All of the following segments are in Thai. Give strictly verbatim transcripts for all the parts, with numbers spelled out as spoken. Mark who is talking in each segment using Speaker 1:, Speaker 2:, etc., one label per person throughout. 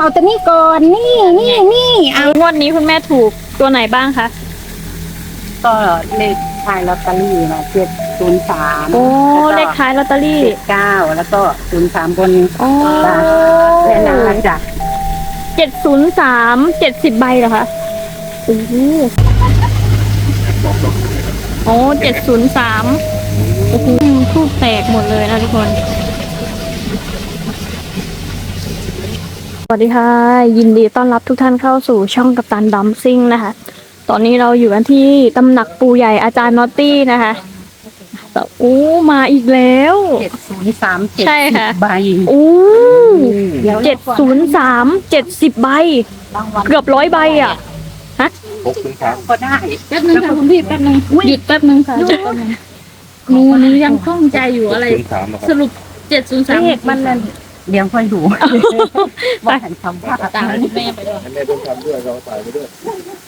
Speaker 1: เอาตัวนี้ก่อนนี่นี่นี่เอา
Speaker 2: งวดนี้คุณแม่ถูกตัวไหนบ้างคะ
Speaker 1: ก็เลขท้ายลอตเตอรี่มาเจ็ดศูนย์สาม
Speaker 2: โอ้เลขท้ายลอตเตอรี่
Speaker 1: เก้าแล้วก็ศูนย์สามบน
Speaker 2: โอ้
Speaker 1: แน่นอนจ้ะ
Speaker 2: เจ็ดศูนย์สามเจ็ดสิบใบเหรอคะโอ้โหโอ้เจ็ดศูนย์สามโอ้โหทูบแตกหมดเลยนะทุกคนสวัสดีค่ะยินดีต้อนรับทุกท่านเข้าสู่ช่องกัปตันดัมซิ่งนะคะตอนนี้เราอยู่กันที่ตำหนักปู่ใหญ่อาจารย์นอตตี้นะคะโอ้มาอีกแล้ว
Speaker 1: เจ็ดศูนย์สามเจ็ด
Speaker 2: ใช่ค่ะ
Speaker 1: ใบ
Speaker 2: โอ้เจ็ดศูนย์สามเจ็ดสิบใบเกือบร้อยใบอ่ะฮะ
Speaker 1: หกศูนย์สามก็ได้
Speaker 2: แป๊บนึงค่ะคุณพี่แป๊บนึงหยุดแป๊บนึงค่ะหนูหนูยังคล่องใจอยู่อะไรสรุปเจ็ดศูนย์สาม
Speaker 1: เลขมันนั่นเดี๋ยวค่อยดูว่าหันคำว่า
Speaker 2: ตามแม่ไปด้วย
Speaker 3: แม่ต้องทำด้วยเราใส่ไปด้วย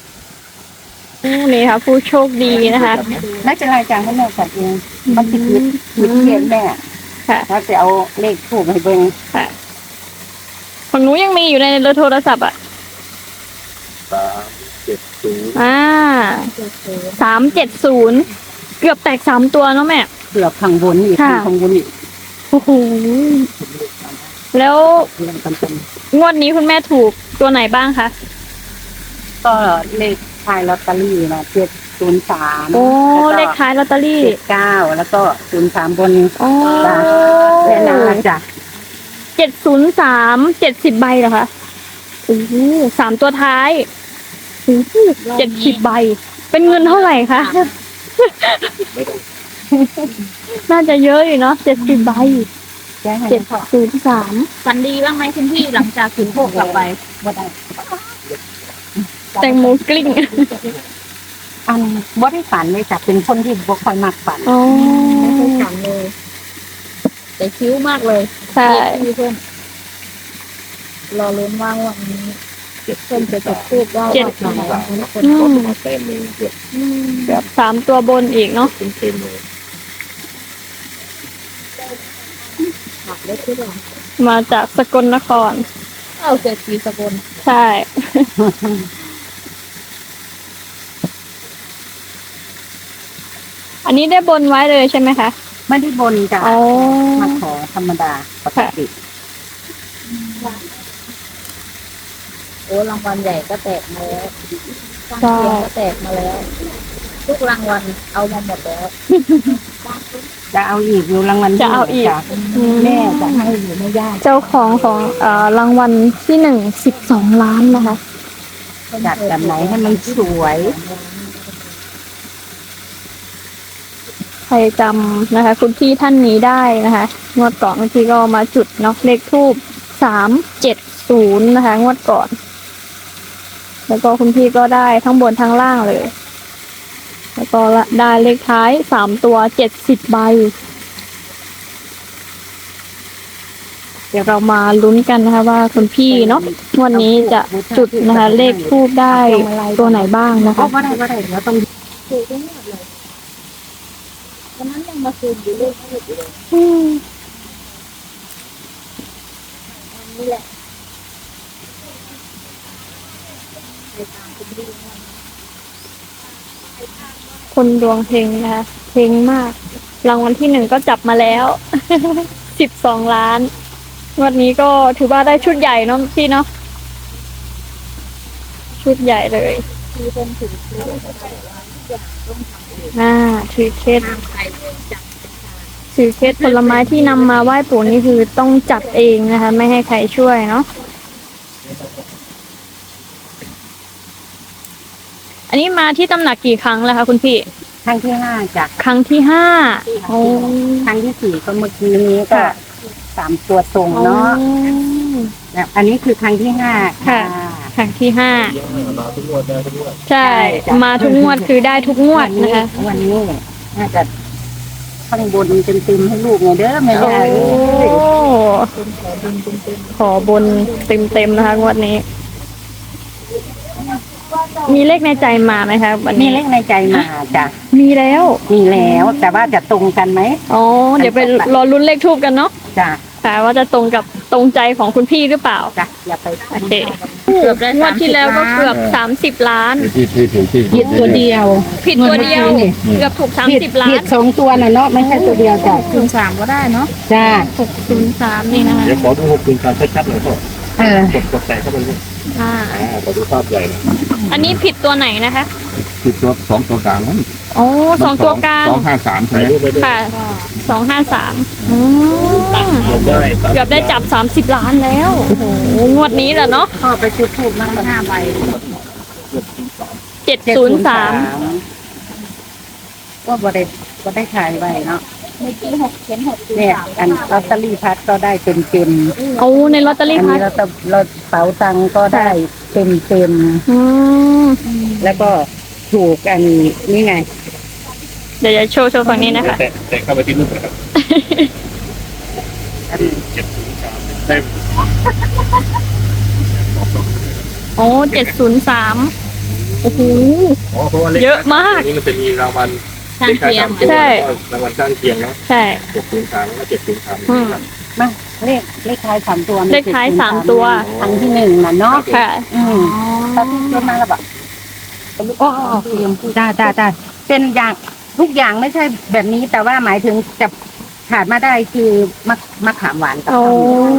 Speaker 2: นี่ค่ะผู้โชคดีนะคะ
Speaker 1: น่าจะรายการให้แม่จัดเองมันติดยึดยึดเทียนแม่
Speaker 2: ค่ะ
Speaker 1: ถ้าจะเอาเลขถูกให้เบิ่ง
Speaker 2: ค่ะของหนูยังมีอยู่ในโทรศัพท์อ่ะ
Speaker 3: สามเจ็ดศูนย์
Speaker 2: อ่าสามเจ็ดศูนย์เกือบแตกสามตัวเนาะแม่
Speaker 1: เกือบข้างบนอีกข้างบนอีก
Speaker 2: โอ้โหแล้วงวดนี้คุณแม่ถูกตัวไหนบ้างคะ
Speaker 1: ก็เลขท้ายลอตเตอรี่มาเจ็ดศูนย์สาม
Speaker 2: โอ้เลขท้ายลอตเตอรี่
Speaker 1: เก้าแล้วก็ศูนย์สามบน
Speaker 2: โอ้
Speaker 1: แน่นอนจ้ะ
Speaker 2: เจ็ดศูนย์สามเจ็ดสิบใบเหรอคะโอ้โหสามตัวท้ายโอ้โหเจ็ดสิบใบเป็นเงินเท่าไหร่คะน่าจะเยอะอยู่เนาะเจ็ดสิบใบเจ็ดศูนย์สาม
Speaker 4: ฝันดีบ้างไหมคุณพี่หลังจากถึงโคกกลับไป
Speaker 1: บ่ได้
Speaker 2: แตงโมกลิ้ง
Speaker 1: อันบ่ได้ฝันเลยจ้ะเป็นคนที่บ่ค่อยมักฝัน
Speaker 2: อ๋อ
Speaker 4: ไม่เคยฝันเลยแต่คิ้วมากเลย
Speaker 2: ใช่
Speaker 4: เพื่อนรอลุ้นว่าวันนี้เก็บเพื่อนจะจุดทูบว่า
Speaker 2: เจ็ด
Speaker 4: สามคน
Speaker 3: เต็มเลยเจ็ด
Speaker 2: แบบสามตัวบนอีกเนาะ
Speaker 3: เต็มเลย
Speaker 4: หักได้ที่หลัง
Speaker 2: มาจากสกลนคร
Speaker 4: เอาเจ็ดปีสกล
Speaker 2: ใช่อันนี้ได้บนไว้เลยใช่ไหมคะ
Speaker 1: ไม่ได้บนจ้ะมาขอธรรมดาปกติ
Speaker 4: โอ้รางวัลใหญ่ก็แตกมาแล้วข้างเคียงก็แตกมาแล้วทุกรางวัลเอามาหมดแล้ว
Speaker 1: จะเอาอีกอยู่รางวัล
Speaker 2: จะเอาอีก
Speaker 1: แม่จะให้อยู่ไม่ยาก
Speaker 2: เจ้าของของเอ่อรางวัลที่หนึ่งสิบสองล้านนะคะ
Speaker 1: จัดแบบไหนให้มันสวย
Speaker 2: ใครจำนะคะคุณพี่ท่านนี้ได้นะคะงวดก่อนคุณพี่ก็มาจุดเนาะเลขทูบสามเจ็ดศูนย์นะคะงวดก่อนแล้วก็คุณพี่ก็ได้ทั้งบนทั้งล่างเลยแล้วก็ได้เลขท้ายสามตัวเจ็ดสิบใบเดี๋ยวเรามาลุ้นกันนะคะว่าคุณพี่เนาะวันนี้จะจุดนะคะเลขทูบได้ตัวไหนบ้างนะคะ
Speaker 1: ก็ได้ก็ได้เดี๋ยวต้อง
Speaker 4: ถูกทั้งหมดเลยวันนั้นยังมาคืนอยู่เลขทูบอยู่เลยนี่แหละ
Speaker 2: คนดวงเฮงนะคะเฮงมากรางวัลที่หนึ่งก็จับมาแล้วสิบสองล้านวันนี้ก็ถือว่าได้ชุดใหญ่เนาะพี่เนาะชุดใหญ่เลย
Speaker 4: คือเป็นถึงคือ
Speaker 2: อ่าถือเคสถือเคสผลไม้ที่นำมาไหว้ปู่นี่คือต้องจัดเองนะคะไม่ให้ใครช่วยเนาะอันนี้มาที่ตำหนักกี่ครั้งแล้วคะคุณพี่
Speaker 1: ครั้งที่ห้าจ้ะ
Speaker 2: ครั้งที่ห้าโอ้
Speaker 1: ครั้งที่สี่ก็เมื่อกี้นี้ก็สามตัวตรงเนาะแบบอันนี้คือครั้งที่ห้า
Speaker 2: ค่ะครั้งที่ห้า
Speaker 3: มาทุกงวดได้ทุกงวด
Speaker 2: ใช่มาทุกงวดคือได้ทุกงวดนะคะ
Speaker 1: วันนี้น่าจะข้างบนเต็มๆให้ลูกไงเด้อแม่
Speaker 2: โอ้ขอบนเต็มๆนะคะงวดนี้มีเลขในใจมาไหมคะวันนี้
Speaker 1: มีเลขในใจมาจ้ะ
Speaker 2: มีแล้ว
Speaker 1: มีแล้วแต่ว่าจะตรงกันไหม
Speaker 2: อ๋อเดี๋ยวไปรอลุ้นเลขทูบกันเนาะ
Speaker 1: จ้ะ
Speaker 2: ค่ะว่าจะตรงกับตรงใจของคุณพี่หรือเปล่า
Speaker 1: จ้ะอย่าไป
Speaker 2: โอเค
Speaker 4: เกือบได้
Speaker 2: งวดที่แล้วก็เกือบสามสิบล้าน
Speaker 3: ที่ที่ถูกที่
Speaker 1: ผิดตัวเดียว
Speaker 2: ผิดตัวเดียว เกือบถูกสาม
Speaker 1: ผิด
Speaker 2: สิบล้า
Speaker 1: ผิ
Speaker 2: น
Speaker 1: ดสองตัวน่ะเนาะไม่ใช่ตัวเดียวจ้ะ
Speaker 4: คูณสามก็ได้เนาะ
Speaker 1: จ้า
Speaker 2: หกศูนย์สามนี่นะคะ
Speaker 3: เดี๋ยวขอดูหกคูณการชัดๆหน่อยพ่อ
Speaker 1: เออก
Speaker 3: ดกดแตะเข้าไปเลย
Speaker 2: อ่า
Speaker 3: อ่าขอดูภาพใหญ่หน่อย
Speaker 2: อันนี้ผิดตัวไหนนะคะ
Speaker 3: คือตัวสองตัวกลางนั้น
Speaker 2: โอ้สองตัวกลาง
Speaker 3: สองห้าสามใช่ไหม
Speaker 2: ค่ะสองห้าสาม
Speaker 3: เ
Speaker 2: ได้
Speaker 3: กือบได้
Speaker 2: เกือบได้จับสามสิบล้านแล้วโอ้โหงวดนี้แหละเนาะ
Speaker 1: พ่อไปจุดทูบนั่งห้าใบ
Speaker 2: เจ็ดศูนย์สาม
Speaker 1: ก็บ่ได้บ่ได้ขายใบเนาะ
Speaker 4: เมื่อกี้หกเขียนหกคูณ
Speaker 1: เนี่ย
Speaker 4: สาม
Speaker 1: อันลอตเตอรี่พัดก็ได้เต็มเต็ม
Speaker 2: โอ้ในลอตเตอ
Speaker 1: ๆ
Speaker 2: รี่
Speaker 1: อัน
Speaker 2: พั
Speaker 1: นี้
Speaker 2: ด
Speaker 1: เราเราเป๋าตังค์ก็ได้เต็มเต็ม
Speaker 2: อืม
Speaker 1: ๆแล้วก็ถูกอันนี่ไง
Speaker 2: เดี๋ยวจะโชว์โชว์ฝั่งนี้นะคะ
Speaker 3: แตะแตะเข้าไปที่รูปนะครับ
Speaker 1: อัน
Speaker 3: เจ็ดศูนย์สามเต็ม
Speaker 2: โอ้เจ็ดศูนย์สามโอ้โห
Speaker 3: อ๋อเพราะว่าเลข
Speaker 2: เยอะมาก
Speaker 3: นี้มันจะมีรางวัล
Speaker 4: ข้างเคียง
Speaker 2: ใช่
Speaker 3: รางวัลข้างเคียงเนาะ
Speaker 2: ใช่
Speaker 3: เจ็ดศูนย์สามแล้วก็เจ็ดศูนย์สาม
Speaker 2: อืม
Speaker 1: มาเลขเลขท้ายสามตัวมัน
Speaker 2: เลขท้ายสามตัว
Speaker 1: อันที่หนึ่งน่ะเนาะ
Speaker 2: ค่ะ
Speaker 1: อืมตอนที่เกิดมาแล้วแบบโอ้เตรียมจ้าจ้าจ้าเป็นอย่างทุกอย่างไม่ใช่แบบนี้ แต่ว่าหมายถึงจะขาดมาได้คือมะมะขามหวานกับ
Speaker 2: โอ้
Speaker 1: ข้าวเหนียว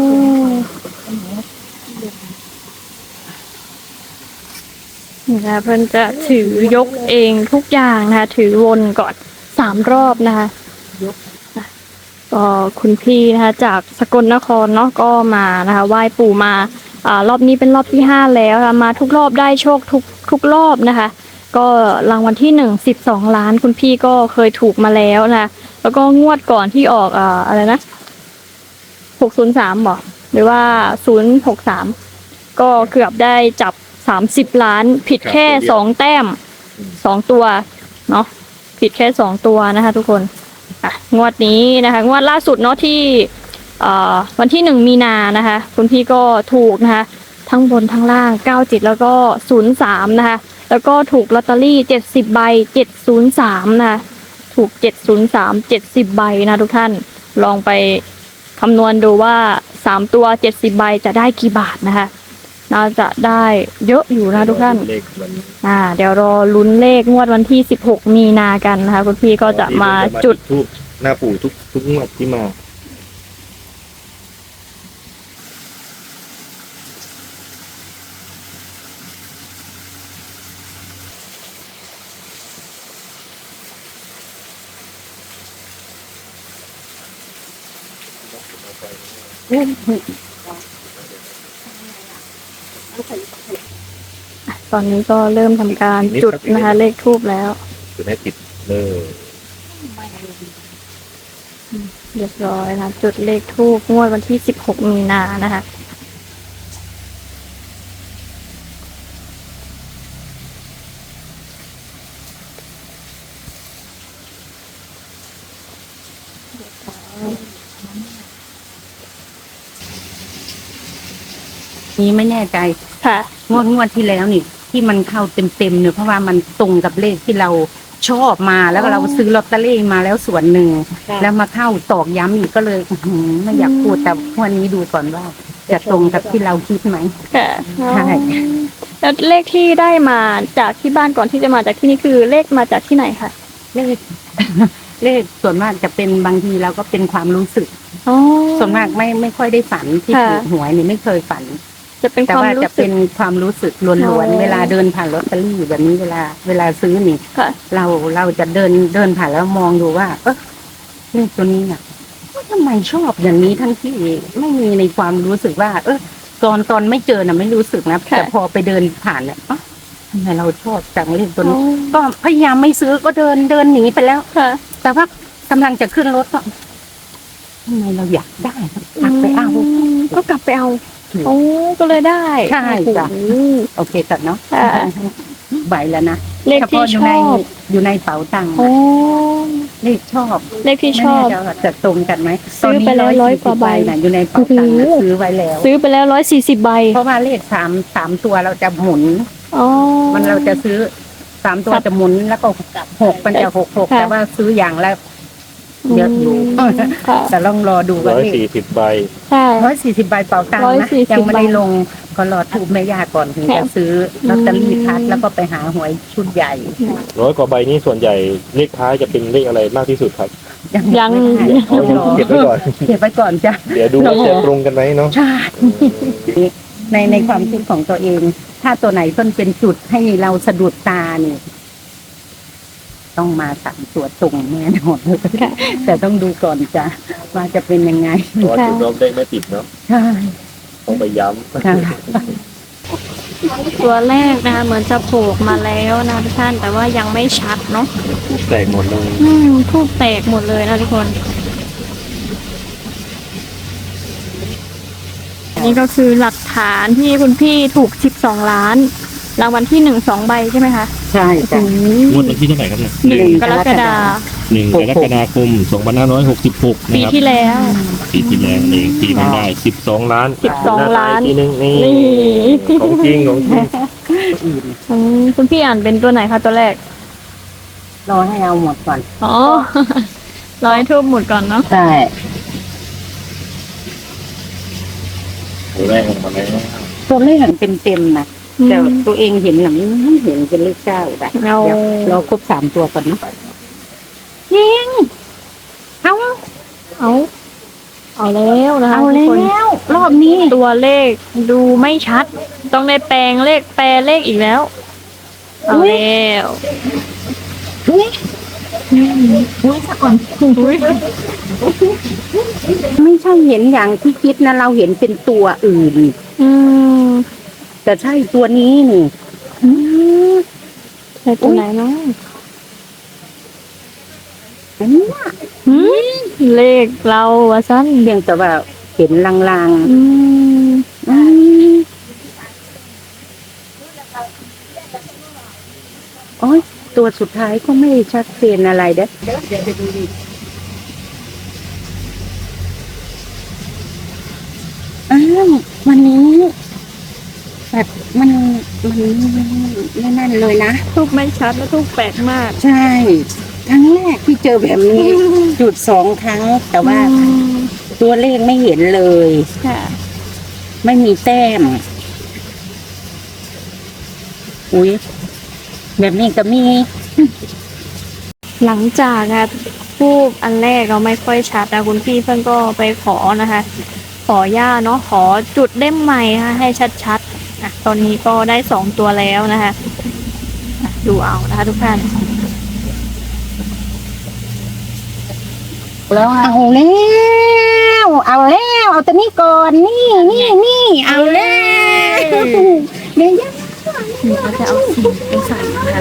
Speaker 2: นี่นะคะเพื่อนจะถือยกเองทุกอย่างนะคะ ถือวนก่อนสามรอบนะคะอ่ะก็คุณพี่นะคะจากสกลนครเนาะก็มานะคะไหว้ปู่มาอ่ารอบนี้เป็นรอบที่ห้าแล้วค่ะมาทุกรอบได้โชคทุกทุกรอบนะคะ ก็รางวัลที่หนึ่งสิบสองล้านคุณพี่ก็เคยถูกมาแล้วนะคะแล้วก็งวดก่อนที่ออกอ่าอะไรนะหกศูนย์สามบอกหรือว่าศูนย์หกสามก็เกือบได้จับสามสิบล้านผิดแค่สองแต้มสองตัวเนาะผิดแค่สองตัวนะคะทุกคนอ่ะงวดนี้นะคะงวดล่าสุดเนาะที่เอ่อวันที่หนึ่งมีนานะคะคุณพี่ก็ถูกนะคะทั้งบนทั้งล่างเก้าจิตแล้วก็ศูนย์สามนะคะแล้วก็ถูกลอตเตอรี่เจ็ดสิบใบเจ็ดศูนย์สามนะคะถูกเจ็ดศูนย์สามเจ็ดสิบใบนะทุกท่านลองไปคำนวณดูว่าสามตัวเจ็ดสิบใบจะได้กี่บาทนะคะน่าจะได้เยอะอยู่นะทุกท่าน
Speaker 3: เลขมัน
Speaker 2: อ่าเดี๋ยวรอลุ้นเลขงวดวันที่สิบหกมีนากันนะคะคุณพี่ก็จะมาจุด
Speaker 3: ทูบหน้าปู่ทุกทุกงวดที่มา
Speaker 2: ตอนนี้ก็เริ่มทำการจุดนะคะเลขทูบแล้ว
Speaker 3: จุดให้ติดเลย
Speaker 2: เรียบร้อยนะจุดเลขทูบงวดวันที่สิบหกมีนานะคะ
Speaker 1: นี้ไม่แน่ใจ
Speaker 2: ค่ะ
Speaker 1: งวดงวดที่แล้วนี่ที่มันเข้าเต็มเต็มๆเนี่ยเพราะว่ามันตรงกับเลขที่เราชอบมาแล้วก็เราซื้อลอตเตอรี่มาแล้วส่วนหนึ่งแล้วมาเข้าตอกย้ำอีกก็เลยอื้อหือไม่อยากพูดแต่วันนี้ดูก่อนว่า จะตรงกับที่เราคิดไหม
Speaker 2: ค่ะ
Speaker 1: ใช่
Speaker 2: แล้วเลขที่ได้มาจากที่บ้านก่อนที่จะมาจากที่นี่คือเลขมาจากที่ไหนคะ
Speaker 1: เลข เลขส่วนมากจะเป็นบางทีเราก็เป็นความรู้สึก
Speaker 2: อ๋อ
Speaker 1: ส่วนมากไม่ไม่ค่อยได้ฝันที่
Speaker 2: ค่ะ
Speaker 1: ถูกหวยนี่ไม่เคยฝัน
Speaker 2: จะเป็น
Speaker 1: แต่
Speaker 2: ความ
Speaker 1: ว่า
Speaker 2: รู้
Speaker 1: จะ
Speaker 2: สึ
Speaker 1: เป็
Speaker 2: ก
Speaker 1: นความรู้สึกล้
Speaker 2: อ๋
Speaker 1: วน
Speaker 2: อ
Speaker 1: ๆเวลาเดินผ่านลอตเตอรี่แบบนี้เวลา เวลาซื้อนี่
Speaker 2: ค่ะ
Speaker 1: เราเราจะเดินเดินผ่านแล้วมองดูว่า เออเลขตัวนี้น่ะว่าทำไมชอบอย่างนี้ทั้งที่ไม่มีในความรู้สึกว่า เออตอนตอนไม่เจอน่ะไม่รู้สึกนะ
Speaker 2: ค่ะ
Speaker 1: แต่พอไปเดินผ่านเนี่ยเอ๊ะทำไมเราชอบจังเลขตัว
Speaker 2: อ๋อ
Speaker 1: นี้ ก็พยายามไม่ซื้อก็เดินเดินหนีไปแล้ว
Speaker 2: ค่ะ
Speaker 1: แต่ว่ากำลังจะขึ้นรถก็ทำไมเราอยากได้กลับไปเอา
Speaker 2: มก็กลับไปเอา
Speaker 1: ถูก
Speaker 2: โอ้ก็เลยได้
Speaker 1: ใช่จ้ะ
Speaker 2: โอ้โห
Speaker 1: โอเคตัดเนาะ
Speaker 2: ค่ะ
Speaker 1: ใบแล้วนะ
Speaker 2: เลข
Speaker 1: เฉ
Speaker 2: ที่
Speaker 1: พาะอ
Speaker 2: ช
Speaker 1: ยู่ใน
Speaker 2: อบ
Speaker 1: อยู่ในเป๋าตังค์
Speaker 2: โอ้
Speaker 1: เลขชอบ
Speaker 2: เลขที่ชอบ
Speaker 1: ไม่แน่ใจว่าจะตรงกันไหม
Speaker 2: ซื้อไปแล้วร้อยกว่าใบ
Speaker 1: น่ะอยู่ในเป๋าตังค์น่ะ
Speaker 2: โอ้โห
Speaker 1: ซื้อไว้แล้ว
Speaker 2: ซื้อไปแล้วร้อยสี่สิบใบ
Speaker 1: เพราะว่าเลขสามสามตัวเราจะหมุน
Speaker 2: อ๋อ
Speaker 1: มันเราจะซื้อสามตัว
Speaker 2: ครับ
Speaker 1: จะหมุนแล้วก็หกมันจะหกหก
Speaker 2: ค่ะ
Speaker 1: แต่ว่าซื้ออย่างละเยอะอยู่
Speaker 2: อืมค่ะ
Speaker 1: แต่ลองรอดู
Speaker 3: ร้
Speaker 1: ว่า
Speaker 3: อย
Speaker 1: เลข
Speaker 3: สี่สิบใบ
Speaker 2: ใช่
Speaker 1: ร้อยสี่สิบใบเป่าตังค์
Speaker 2: ร้อย
Speaker 1: นะ
Speaker 2: สี่สิบ
Speaker 1: ยังไม่ได้
Speaker 2: ใบ
Speaker 1: ลงก็รอถูกแม่ย่าก่อนถึง
Speaker 2: ค่ะ
Speaker 1: จะซื้อลอตเตอรี่พัดแล้วก็ไปหาหวยชุดใหญ่
Speaker 3: ร้อยกว่าใบนี้ส่วนใหญ่เลขท้ายจะเป็นเลขอะไรมากที่สุดครับ
Speaker 1: ยัง
Speaker 2: ยัง
Speaker 1: ไม่ได้
Speaker 3: เอา
Speaker 1: ต้องรอ
Speaker 3: เก็บไว้ก่อน
Speaker 1: เก็บไว้ก่อนจ้ะ
Speaker 3: เดี๋ยวดูว่าจะตรงกันไหมเนาะ
Speaker 1: ใช่ในในความคิดของตัวเอง ถ้าตัวไหนเพิ่นเป็นจุดให้เราสะดุดตาเนี่ยต้องมาสามตัวตรงแน่นอน
Speaker 2: ค่ะ
Speaker 1: แต่ต้องดูก่อนจ้ะว่าจะเป็นยังไง
Speaker 3: เพราะว่าจุดรอบเลขไม่ติดเนาะ
Speaker 1: ใช่
Speaker 3: ต้องไปย้
Speaker 1: ค่ะ
Speaker 2: ตัวแรกนะคะเหมือนจะโผล่มาแล้วนะทุกท่านแต่ว่ายังไม่ชัดเนาะ
Speaker 3: ำแตกหมดเลย
Speaker 2: อืมทูบแตกหมดเลยนะทุกคน อันนี้ก็คือหลักฐานที่คุณพี่ถูกสิบสองล้านรางวัลที่หนึ่งสองใบใช่ไหมคะ
Speaker 1: ใช่จ้ะ
Speaker 3: งวดวันที่เท่าไหร่ครับเนี่ย
Speaker 2: หนึ่งกรกฎาคม
Speaker 3: หนึ่งกรกฎาคมสองพันห้าร้อยหกสิบหก
Speaker 2: ปี
Speaker 3: นะครับ
Speaker 2: ที่แล้ว
Speaker 3: ปีที่แล้วเองที่มันได้สิบสองล้าน
Speaker 2: สิบสองล้าน
Speaker 3: ทีนึงนี่
Speaker 2: นี่
Speaker 3: ของจริงของจริง
Speaker 2: อืมคุณพี่อ่านเป็นตัวไหนคะตัวแรก
Speaker 1: รอให้เอาหมดก่อน
Speaker 2: อ๋อ ร้อยทูบหมดก่อนเนาะ
Speaker 1: ใช่
Speaker 3: ตัวแรกออกมาแล้ว
Speaker 1: ตัวเลขเต็มเต็มๆนะ
Speaker 2: อืม
Speaker 1: แต่ตัวเองเห็นหลังไม่เห็นเป็นเลขเก้าแบบ
Speaker 2: เอา
Speaker 1: เดี๋ยวรอครบสามตัวก่อนนะยิงเอา
Speaker 2: เอาเอาแล้วนะคะ
Speaker 1: เอา
Speaker 2: ทุกคน
Speaker 1: แล้ว รอบนี้
Speaker 2: ตัวเลขดูไม่ชัด ต้องได้แปลงเลขแปลเลขอีกแล้ว เอาแล้ว
Speaker 1: อุ้ยอุ้ยสักก่อน
Speaker 2: อุ๊ย
Speaker 1: ไม่ใช่เห็นอย่างที่คิดนะเราเห็นเป็นตัวอื่น
Speaker 2: อืม
Speaker 1: แต่ใช่ตัวนี้นี่อืม
Speaker 2: ใช่ตัวไหนเนาะ
Speaker 1: อันเนี้ย
Speaker 2: หืมเลขเราวะสั้น
Speaker 1: เพียงแต่ว่าเห็นลาง
Speaker 2: อืม
Speaker 1: ๆอืมโอ้ยตัวสุดท้ายก็ไม่ชัดเจนอะไรเด้อเดี๋ยวเดี๋ยวไปดูดิอ้าววันนี้แบบมันมันไม่นั่นเลยนะ
Speaker 2: ทูบไม่ชัดและทูบแปลกมาก
Speaker 1: ใช่ ครั้งแรกที่เจอแบบนี้ จุดสองครั้ง แต่ว่า
Speaker 2: อืม
Speaker 1: ตัวเลขไม่เห็นเลย
Speaker 2: ค่ะ
Speaker 1: ไม่มีแต้ม อุ้ยแบบนี้ก็มี
Speaker 2: หลังจากนะทูบอันแรกเราไม่ค่อยชัดนะคุณพี่เพื่อนก็ไปขอนะคะ ขอย่าเนาะขอจุดเล่มใหม่ค่ะให้ชัดๆอ่ะตอนนี้ก็ได้สองตัวแล้วนะคะอ่ะดูเอานะคะทุกท่าน
Speaker 1: แล้วเอาแล้ว เอาแล้ว เอาตัวนี้ก่อน นี่นี่นี่เอาแล้วเดี๋ยวย่า
Speaker 2: นี่ก็จะเอาสีไปใส่นะคะ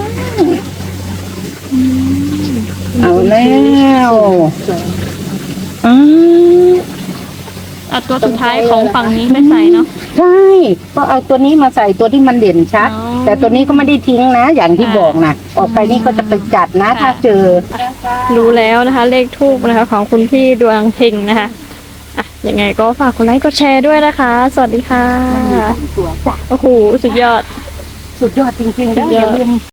Speaker 1: เอาแล้วอืม
Speaker 2: เอาตัวสุดท้ายของฝั่งนี้ไปใส่เนาะ
Speaker 1: ใช่ ก็เอาตัวนี้มาใส่ตัวที่มันเด่นชัด
Speaker 2: อ๋อ
Speaker 1: แต่ตัวนี้ก็ไม่ได้ทิ้งนะ อย่างที่
Speaker 2: ค่ะ
Speaker 1: บอกนะออกไปนี่ก็จะไปจัดนะ ถ้าเจอ
Speaker 2: รู้แล้วนะคะ เลขทูบนะคะ ของคุณพี่ดวงเฮงนะคะอ่ะยังไงก็ฝากกดไลค์กดแชร์ด้วยนะคะ สวัสดีค่ะ
Speaker 1: ตัวจ้ะ
Speaker 2: โอ้โหสุดยอด
Speaker 1: สุดยอดจริงๆ
Speaker 2: สุดยอด
Speaker 1: อย่าลืม